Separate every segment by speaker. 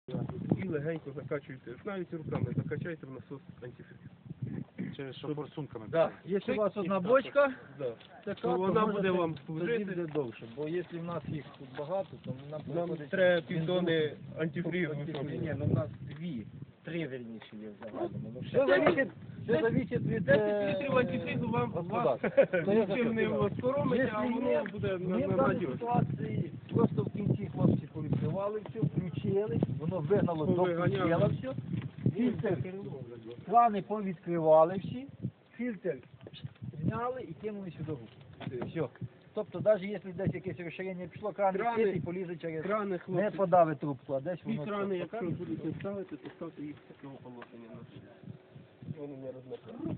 Speaker 1: І легенько закачуєте, навіть руками закачайте в насос антифриз.
Speaker 2: Через що форсунками.
Speaker 3: Да. Якщо у вас одна бочка,
Speaker 1: Да.
Speaker 3: така,
Speaker 1: То
Speaker 3: то
Speaker 1: вона
Speaker 3: можете-
Speaker 1: буде вам
Speaker 3: тоді
Speaker 1: служити.
Speaker 3: буде довше. Бо якщо в нас їх тут багато, то нам
Speaker 1: Нам
Speaker 3: приходиться
Speaker 1: треба
Speaker 3: бензин-
Speaker 1: півтони антифризу.
Speaker 3: Ні, ну в нас три верніше є в загальному. Ну,
Speaker 1: Все зависить-
Speaker 3: все зависить від
Speaker 1: 10 літрів антифризу вам
Speaker 3: господарства.
Speaker 1: нічим не скоромить, а воно буде
Speaker 3: Ми в даній
Speaker 1: надіжно.
Speaker 3: ситуації просто в кінці хлопці повідкривали все, включили, воно вигнало до
Speaker 1: Повиганяли.
Speaker 3: предела все. Фільтр, крани повідкривали всі, фільтр зняли і кинули сюди руку. Все. Тобто навіть якщо десь якесь розширення пішло, крани
Speaker 1: Крани-
Speaker 3: відкриті, полізе через...
Speaker 1: Крани,
Speaker 3: Не
Speaker 1: хлопці,
Speaker 3: подавить трубку, а десь
Speaker 1: ці
Speaker 3: воно...
Speaker 1: крани, якщо
Speaker 3: покаже.
Speaker 1: будете ставити, то ставте їх з такого положення. Вони не розмикають.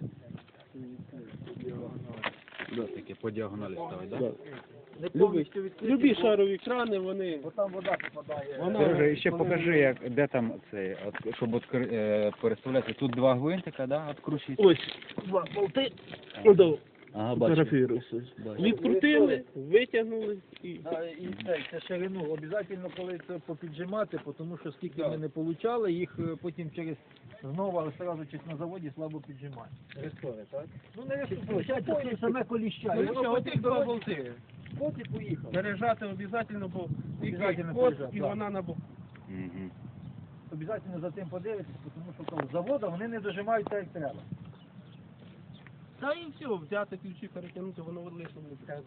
Speaker 2: Таке по діагоналі ставить, так?
Speaker 3: Не повністю відкриті,
Speaker 1: Любі
Speaker 3: бо-
Speaker 1: шарові крани, вони...
Speaker 3: бо там вода попадає.
Speaker 1: Вона-
Speaker 2: Ще покажи, як, де там цей, от, щоб переставляти. Тут два гвинтика, да, відкручується.
Speaker 1: Ось, два болти. Ото,
Speaker 2: Ага,
Speaker 1: фотографіруйся. Відкрутили, витягнули і...
Speaker 3: І це ширину обов'язково, коли це попіджимати, тому що скільки ми не получали, їх потім знову одразу на заводі слабо піджимають. Рестори, так? Ну не рестори, це саме коліща. І воно
Speaker 1: Оті два болти.
Speaker 3: от і поїхав.
Speaker 1: Пережати обов'язково, бо тільки
Speaker 3: Обов'язательно
Speaker 1: код
Speaker 3: пережати,
Speaker 1: і
Speaker 3: да.
Speaker 1: вона на бок.
Speaker 2: Угу.
Speaker 3: Обов'язково за тим подивитися, тому що того заводу вони не дожимають так, як треба.
Speaker 1: Та і все, взяти ключі, перетягнути, воно лише буде.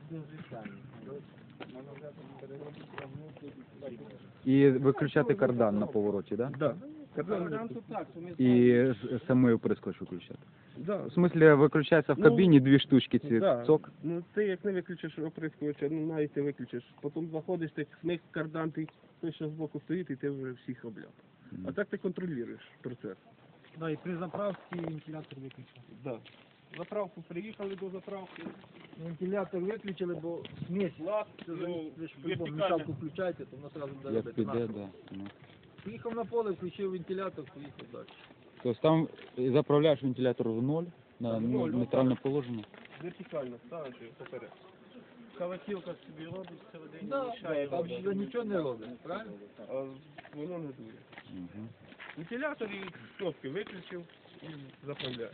Speaker 2: І виключати кардан на повороті, да?
Speaker 1: Да.
Speaker 3: Кардан тут так, що ми
Speaker 2: І самий прискоч виключати.
Speaker 1: Да.
Speaker 2: В смислі, виключається в кабіні дві штучки ці,
Speaker 1: Да.
Speaker 2: цок.
Speaker 1: Ну ти як не виключиш оприскувача, ну навіть ти виключиш. Потім заходиш, ти смик кардан, ти той, що збоку стоїть, і ти вже всіх обляв. А так ти контролюєш процес.
Speaker 3: Да, і при заправці вентилятор виключили.
Speaker 1: Да. Заправку приїхали до заправки.
Speaker 3: Вентилятор виключили, бо смесь лап,
Speaker 1: Ну,
Speaker 3: ви ж по-любому
Speaker 1: вертикально.
Speaker 3: мішалку включаєте, то воно одразу буде
Speaker 2: Як
Speaker 3: робити
Speaker 2: піде,
Speaker 3: нашу.
Speaker 2: да. Ну.
Speaker 3: Приїхав на поле, включив вентилятор, поїхав далі.
Speaker 2: Тобто там заправляєш вентилятор в ноль, на
Speaker 1: Ноль,
Speaker 2: нейтральне положення.
Speaker 1: Вертикально ставиш його поперед. Каватілка собі робить, всередині
Speaker 3: Да,
Speaker 1: мішає,
Speaker 3: там
Speaker 1: робить.
Speaker 3: вже нічого не робить, правильно?
Speaker 1: А воно не дує.
Speaker 2: Угу.
Speaker 1: Вентилятор і кнопки виключив і заправляєш.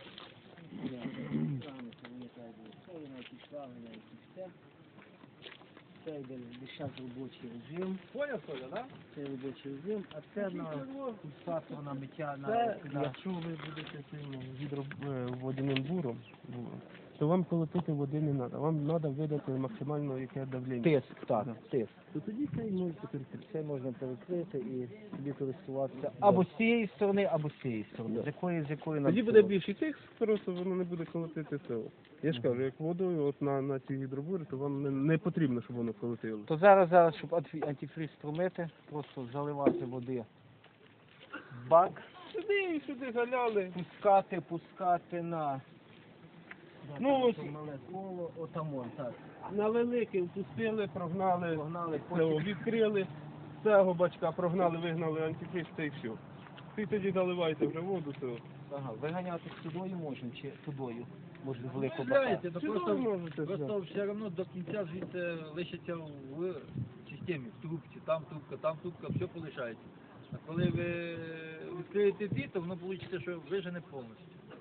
Speaker 4: Це йде лише робочий режим,
Speaker 3: Поняв, Соля, да?
Speaker 4: це робочий режим, а це на пульсатор на миття на
Speaker 1: Це,
Speaker 4: на-
Speaker 1: якщо ви будете цим водяним буром, то вам колотити води не треба. Вам треба видати максимально яке давлення.
Speaker 4: тиск, так,
Speaker 1: Да.
Speaker 4: тиск.
Speaker 1: То тоді це і можете перекрити.
Speaker 4: Це можна перекрити і собі користуватися або з цієї сторони, або з цієї сторони. З якої
Speaker 1: Тоді буде більший тиск, просто воно не буде колотити село. Я ж кажу, як водою от на ці гідробури, то вам не потрібно, щоб воно колотило.
Speaker 4: То зараз, щоб антифриз промити, просто заливати води в бак,
Speaker 1: Сюди і сюди заляли.
Speaker 4: пускати на
Speaker 1: Ну, ось
Speaker 4: мале коло, отамон, так.
Speaker 1: на великий впустили, прогнали,
Speaker 4: Погнали,
Speaker 1: цього, відкрили, з цього бачка прогнали, вигнали антифриз, та і все. Ти тоді заливаєте вже воду, то
Speaker 4: Ага, виганяти сюдою можна, чи тудою? Може велику
Speaker 3: Знаєте, то
Speaker 1: Сюди
Speaker 3: просто,
Speaker 1: можете,
Speaker 3: просто все одно до кінця звідси лишиться в системі, в трубці, там трубка, все полишається. А коли ви відкриєте ці, то воно вийде, що вижене повністю.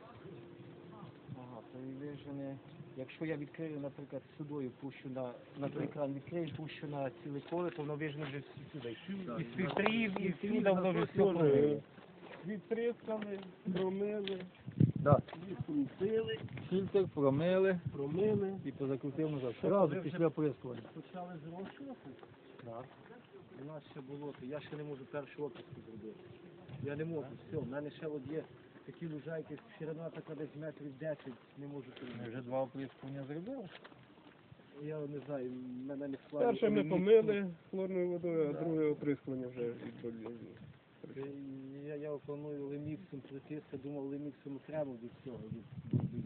Speaker 4: Ага, то і вижене. Якщо я відкрию, наприклад, сюдою пущу на той кран, відкрию, пущу на ціле поле, то воно вижене вже сюди. І з фільтрів, і всюди воно вже все промиє.
Speaker 1: відприскали, промили,
Speaker 3: Да.
Speaker 1: відкрутили,
Speaker 3: Фільтр промили
Speaker 1: промили.
Speaker 3: і позакрутив назад. Одразу після оприскування.
Speaker 4: Почали з розшоку. Так. У нас ще болото. Я ще не можу перший опуск зробити. Я не можу. Все, в мене ще от є такі лужайки, ширина така десь метрів 10, не можу
Speaker 3: Ми
Speaker 4: перейти.
Speaker 3: вже два оприскування зробили.
Speaker 4: Я не знаю, мене не складно.
Speaker 1: Перше ми помили хлорною водою, а друге оприскування вже відбавляли.
Speaker 4: Я планую леміксом притиска, думав леміксом треба від цього, від